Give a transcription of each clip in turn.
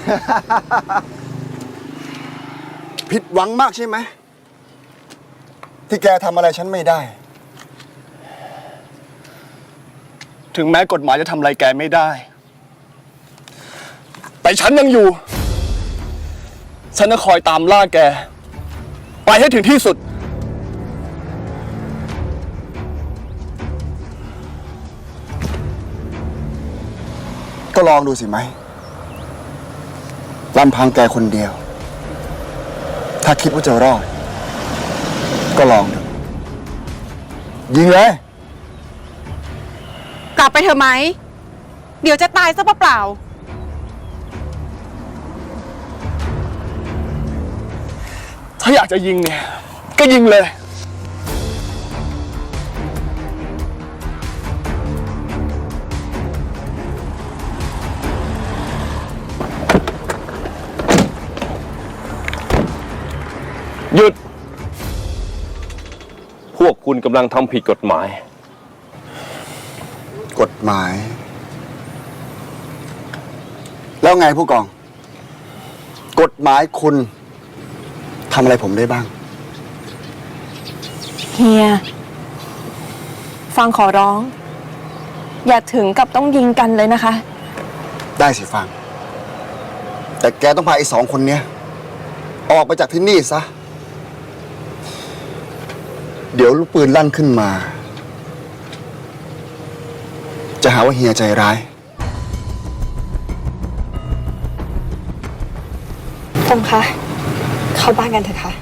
ผิดหวังมากใช่ไหมที่แกทำอะไรฉันไม่ได้ถึงแม้กฎหมายจะทำอะไรแกไม่ได้แต่ฉันยังอยู่ฉันจะคอยตามล่าแกไปให้ถึงที่สุดก็ลองดูสิไหมลำพังแกคนเดียวถ้าคิดว่าจะรอดก็ลองดูยิงเลยกลับไปเถอะไหมเดี๋ยวจะตายซะเปล่าถ้าอยากจะยิงเนี่ยก็ยิงเลยหยุดพวกคุณกำลังทำผิดกฎหมายกฎหมาย แล้วไงผู้กองกฎหมายคุณทำอะไรผมได้บ้างเฮียฟังขอร้อง อย่าถึงกับต้องยิงกันเลยนะคะได้สิฟังแต่แกต้องพาไอ้2 คนเนี้ยออกไปจากที่นี่ซะเดี๋ยวลูกปืนลั่นขึ้นมาจะหาว่าเฮียใจร้ายตรงคะเข้าบ้านกันเถอะค่ะ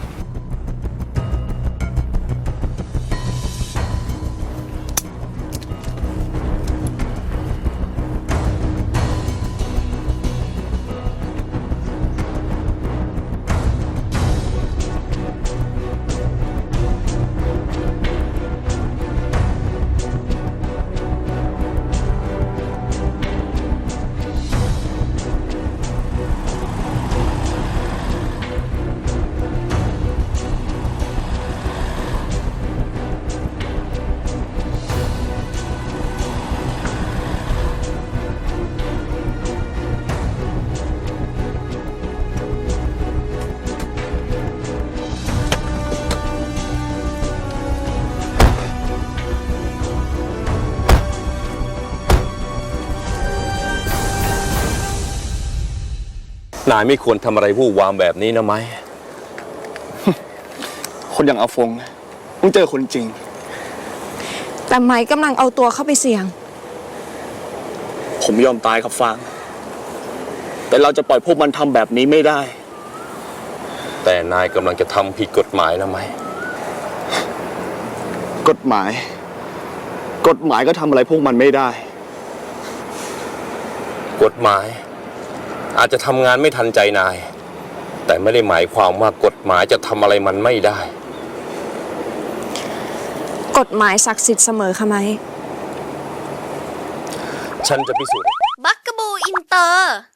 นายไม่ควรทำอะไรวู่วามแบบนี้นะไหมคนอย่างอาฟงต้องเจอคนจริงแต่ไม้กำลังเอาตัวเข้าไปเสี่ยงผมยอมตายครับฟางแต่เราจะปล่อยพวกมันทำแบบนี้ไม่ได้แต่นายกำลังจะทำผิดกฎหมายนะไหมกฎหมายก็ทำอะไรพวกมันไม่ได้กฎหมายอาจจะทำงานไม่ทันใจนายแต่ไม่ได้หมายความว่ากฎหมายจะทำอะไรมันไม่ได้กฎหมายศักดิ์สิทธิ์เสมอค่ะไหมฉันจะพิสูจน์บักกะบูอินเตอร์